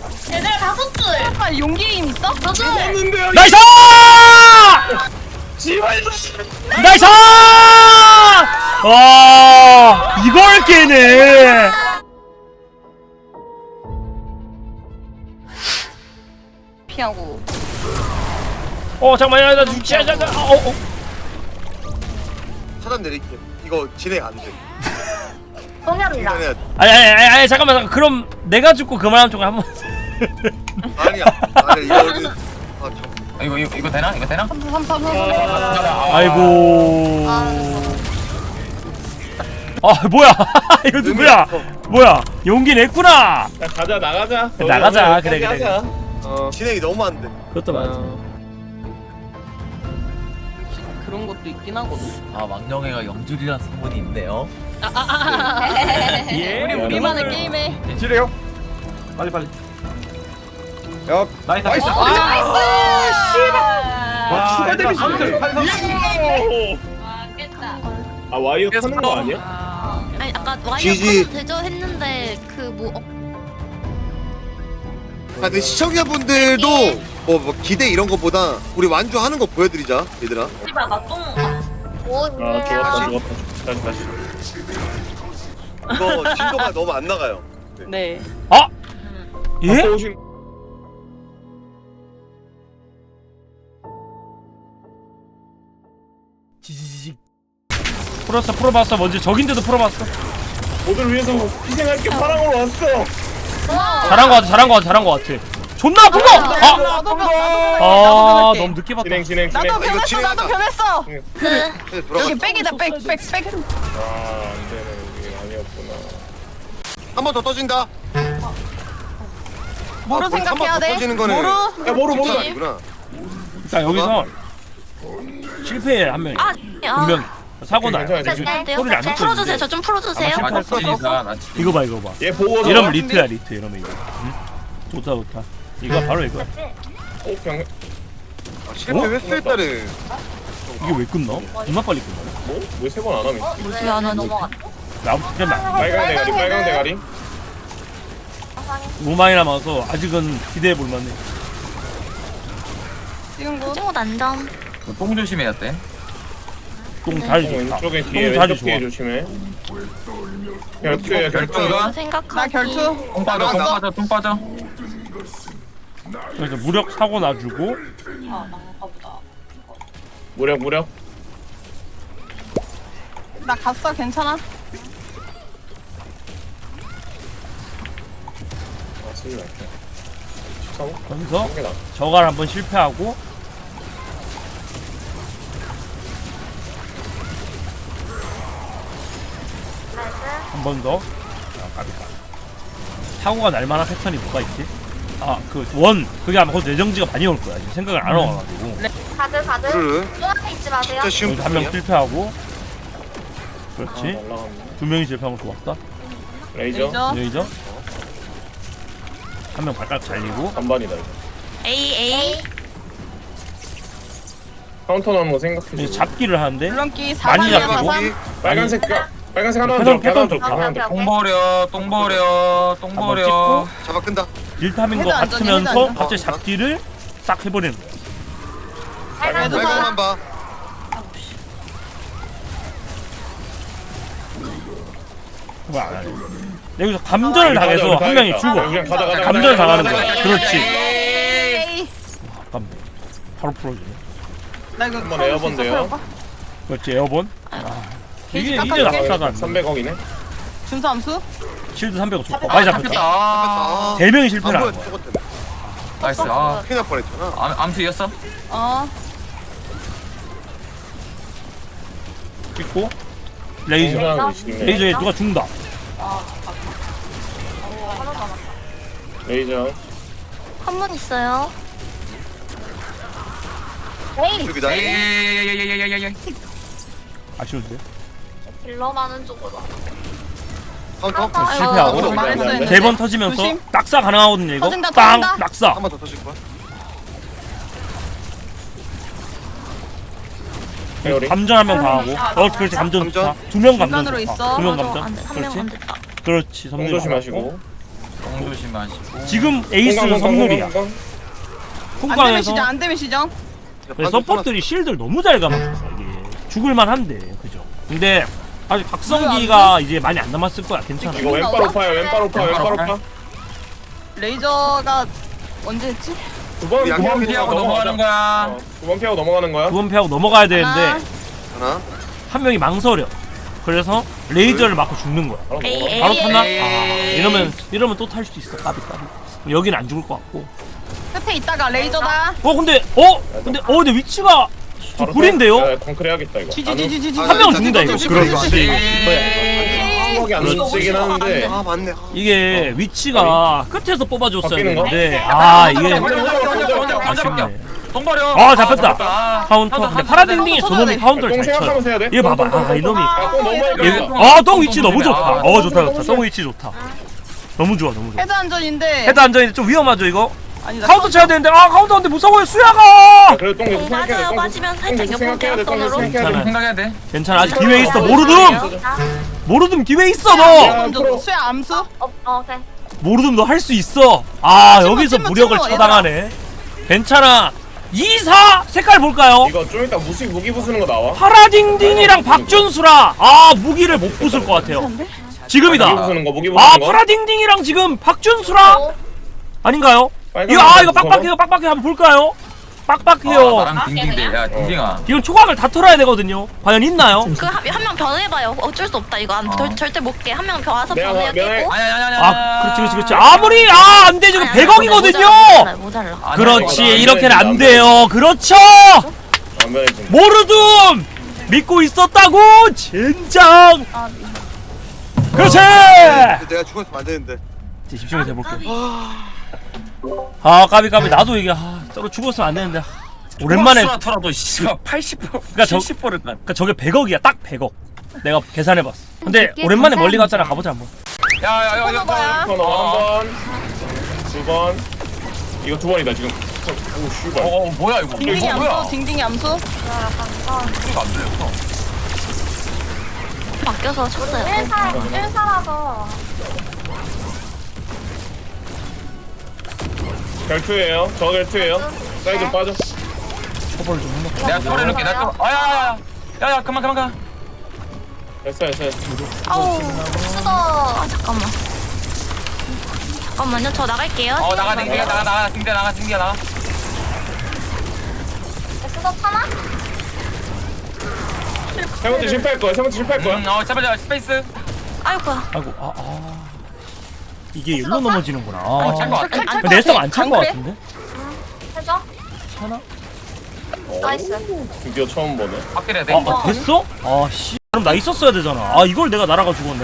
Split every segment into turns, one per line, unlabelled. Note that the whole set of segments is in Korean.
얘들 5줄.
아 용기 힘 있어?
2줄.
나이스! 나이스! 와 이걸 깨네.
피하고.
잠깐만 나 죽지 않아.
차단 내릴게. 이거 진행 안 돼.
동현이다.
진행해야 돼.
아니 잠깐만 그럼 내가 죽고 그만하면 좀 한번.
아니야. 이거 우리 참.
이거 되나? 이거 되나?
3
아이고. 뭐야? 이거 누구야? 뭐야? 용기 냈구나.
야, 가자 나가자.
나가자. 그래.
하자.
진행이 너무 안 돼.
그것도 맞아.
그런 것도 있긴 하거든.
망령애가 영줄이라는 소문이 있네요.
예.
우리만의 게임에.
지래요. 빨리. 야, 나이스. 와, 추가 데미지.
와 깼다.
아, 와이어 타는 거 아니야?
아니 아까 와이어
지지.
타도 되죠 했는데 그뭐
근데 시청자분들도 뭐 기대 이런 거보다 우리 완주하는 거 보여드리자, 얘들아.
씨발 나 똥. 오
아, 죽었다. 다시.
이거 진도가 너무 안 나가요.
네.
예?
오신.
지지직. 풀어봤어. 먼저 적인데도 풀어봤어.
모두를 위해서 희생할 게 파랑으로 왔어.
잘한 거 같아. 존나 아픈 거.
나도 변할게.
너무 늦게 봤다.
진행.
나도
이거
변했어.
진행하자.
나도 변했어.
네, 돌아가.
여기 백이다 백.
아, 안 되네. 이게 아니었구나.
한 번 더 떠진다.
뭐로 생각해야 돼?
터지는 거는
뭐로?
야, 모르.
아니구나.
자 여기서 실패 한 명이. 분명 사고나.
괜찮아.
소리를 안 듣고
풀어주세요.
있는데.
저 좀 풀어주세요.
아마
나
실패.
진이다. 나
이거 봐.
얘 보고.
이러면 리트야 리트 이러면 이거. 좋다. 이거 바로 이거.
병.
실패 횟수에 따른
이게 왜 끝나? 존나 빨리 끝나.
뭐? 왜 세 번 안 함이?
왜안 하니?
나부터 그냥
빨강 대가리.
너무 많이 남아서 아직은 기대해 볼 만해.
지금 거.
친구 난점.
똥 조심해야 돼.
똥 다리 좋다.
왼쪽에 뒤에
똥 다리
왼쪽 뒤에
좋아.
조심해. 결투야
결투가?
생각하기.
나 결투.
똥 빠져.
그래서 무력 사고 놔주고
무력.
나 갔어. 괜찮아.
아, 쓰지 말게. 13호?
거기서
나.
저갈 한번 실패하고 한 번 더. 사고가 날 만한 패턴이 뭐가 있지? 그게 아마 그 내정지가 많이 올 거야. 지금 생각을 안 와가지고.
다들
그를
또 앞에 있지 마세요.
진짜 쉬운
여기서 한 명
부분이야.
실패하고.
아,
그렇지.
날라갔네.
2명이 실패한 거 좋았다.
레이저.
레이저. 한 명 발가락 잘리고.
반반이다 이거.
A.
카운터 나는 거 생각해.
이제 잡기를 하는데
물론기
많이
4단이야
잡히고.
4단.
빨간색 하나
패턴
더.
좋다.
하나 더.
똥 버려.
한번 찍고
잡아 끈다.
딜타민 거
헤드 안전이,
같으면서
헤드 안전.
갑자기 잡기를 싹 해버리는 거야.
그래도
빨간만 봐.
그거 안 하네. 여기서 감전을 당해서 한 명이 죽어.
그냥 가자.
감전을 당하는 거야.
가자.
그렇지.
에이.
아깝네. 바로 풀어주네.
나 이거
한번 에어본데요.
그렇지 에어본.
게이지
이게
깎아줄게.
낙사가
300억이네.
준수함수?
실드 300억 좋고 많이 잡혔다.
잡혔다.
아,
3명이 실패를
안
한
보여.
거야.
저것 때문에.
나이스.
큰일 날 뻔했잖아.
암수 이겼어?
어.
찍고 레이저. 레이저에 누가 죽는다.
레이저.
한 분 있어요.
여기다.
에이.
아쉬운데.
딜러 많은 쪽으로.
카운터.
실패하고
말했어, 했는데.
3번 터지면서
조심.
낙사 가능하거든요 이거.
터진다,
빵
터진다.
낙사.
한 번 더 터질 거야.
회오리.
감전 한 명 당하고. 그렇지 감전 좋다. 2명 감전
중간으로
좋다.
있어.
2명
맞아.
감전.
한 명 안
그렇지.
됐다.
그렇지.
똥
섬유
조심하시고.
똥 조심하시고.
지금 에이스는 선물이야.
안 되면
콩광에서
시정 안 되면 시정.
서포트들이 실드를 너무 잘 감았어. 이게 죽을만한데 그죠? 근데 아직 박성기가 이제 많이 안 남았을 거야. 괜찮아.
이거 왼발 오파야 왼발 오파 왼발 오파.
레이저가 언제 했지?
두번
양념
피하고 넘어가는 거야.
두번 피하고 넘어가는 거야.
9번 패하고 넘어가야 되는데
하나.
한 명이 망설여. 그래서 레이저를 맞고 죽는 거야.
바로
에이,
넘어가.
에이.
바로 탔나?
에이.
아, 이러면 또 탈 수도 있어. 까비. 여기는 안 죽을 것 같고.
끝에 있다가 레이저다.
근데 위치가 좀 구린데요?
야, 덩크를 해야겠다 이거.
지지지지지지.
한 명은 죽는다 이거.
정확하게 안 움직이긴 하는데.
아 맞네.
이게 위치가 끝에서 뽑아줬어야
바뀌는 거?
되는데 이게 아쉽네.
똥 버려.
아 잡혔다. 카운터. 근데 파라딩딩이 저놈이 카운터를
똥
잘 쳐요.
생각하면서 해야 돼.
얘 봐봐. 이놈이.
똥 너무 많이
얘,
걸려.
똥 위치 너무 좋다. 좋다.
너무
똥 위치 좋다. 너무 좋아.
헤드 안전인데.
헤드 안전인데 좀 위험하죠 이거?
아니 나
카운터 쳐야 되는데 카운터인데 무서워요 수야가.
그래도 똥 계속 생각해야 돼.
맞아요.
똥
맞으면 살짝
계속 생각해야 돼. 똥 계속
옆으로
생각해야 돼.
생각해야 돼.
괜찮아 아직 기회 있어. 모르듬 기회 있어 너.
먼저 수야 암수.
오케이.
모르듬 너 할 수 있어. 여기서
찜무,
무력을
찜무,
처당하네. 괜찮아. 2-4 색깔 볼까요?
이거 좀 이따 무기 부수는 거 나와.
파라딩딩이랑 박준수라. 무기를 못 부술 것 같아요. 지금이다.
무기 부수는 거 무기 부수는 거.
파라딩딩이랑 지금 박준수라 아닌가요?
빨간
이거
거
빡빡해요. 한번 볼까요? 빡빡해요.
나랑 딩딩대. 야 딩딩아.
이건 초각을 다 털어야 되거든요. 과연 있나요?
그한명 변해봐요. 어쩔 수 없다. 이거 절대 못 깨. 한 명 와서
내가
변해야
면회-
깨고.
아, 그렇지. 아무리 안 되죠. 100억이거든요.
모자라.
그렇지.
안
이렇게는
되지,
안
안
돼요. 그렇죠.
안 변해지.
모르듬 믿고 있었다고. 젠장. 그렇지.
내가 죽었으면 안 되는데.
이제 집중해서 해볼게. 까비. 나도 이게 저거 죽었으면 안 되는데. 오랜만에.
수라더라도 씨발 80%,
그러니까
70%를
그러니까 저게 100억이야. 딱 100억. 내가 계산해봤어. 근데 오랜만에 멀리 갔잖아. 가보자 한번.
야야야
번호봐야.
한 번, 두 번. 이거 두 번이다 지금. 오 씨발.
뭐야 이거.
딩딩이
이거 뭐야?
암수. 딩딩이 암수.
이거 안 들렸어.
바뀌어서 쳤어요.
1사라서.
결투예요. 저 결투예요. 사이드 빠져.
초벌 좀 해놓고.
내가 초월해 놓을게. 내가 초월. 야야 그만 가.
됐어.
아우.
수도.
잠깐만요. 저 나갈게요.
나가 딩딩아 나가 딩딩아 나가.
수도 차나?
세 번째 실패할 거야.
제발 스페이스.
아이고야.
아이고 이게 일로 넘어지는구나.
찬거 같아.
근데 내성 안 찬 거 같은데?
해줘.
차나?
나이스.
드디어 처음 보네.
바뀌어야 돼.
됐어? 씨. 그럼 나 있었어야 되잖아. 이걸 내가 날아가 죽었네.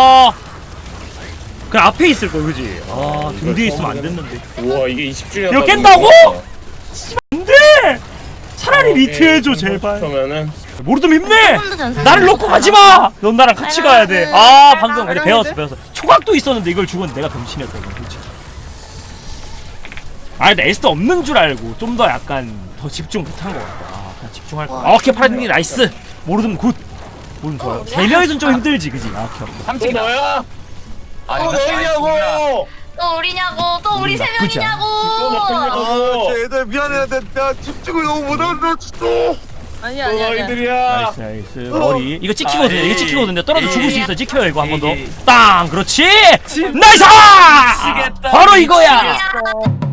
그냥 앞에 있을 걸, 그지? 등 뒤에 있으면 안 됐는데.
우와 이게 20주년.
이거 깬다고? 안 돼! 차라리 리트 해줘, 제발.
그러면은
모르듬 힘내! 나를 놓고 가지 마! 넌 나랑 같이 가야 돼. 방금 그래, 배웠어. 초각도 있었는데 이걸 죽었는데 내가 병신이었다, 이거, 솔직히. 나 에스터 없는 줄 알고 좀 더 약간 더 집중 못한 것 같다. 그냥 집중할 거야. 오케이, 파라딩이 나이스! 모르듬 굿! 모르듬 좋아요. 3명이선 좀 힘들지, 그지? 오케이.
또
삼촌이다.
너야?
아니
또 너희냐고?
또 우리냐고. 또 우리 세
나쁘지 않아.
또
명이냐고.
너희냐고?
얘들 미안해. 내가 집중을 너무 못한다 진짜.
아니야.
또 너희들이야.
나이스. 머리. 이거 찍히거든요. 이거 찍히거든요. 떨어져 죽을 수 있어. 찍혀요, 이거 한 번 더.
에이.
땅! 그렇지! 나이스!
미치겠다.
바로 이거야!
야.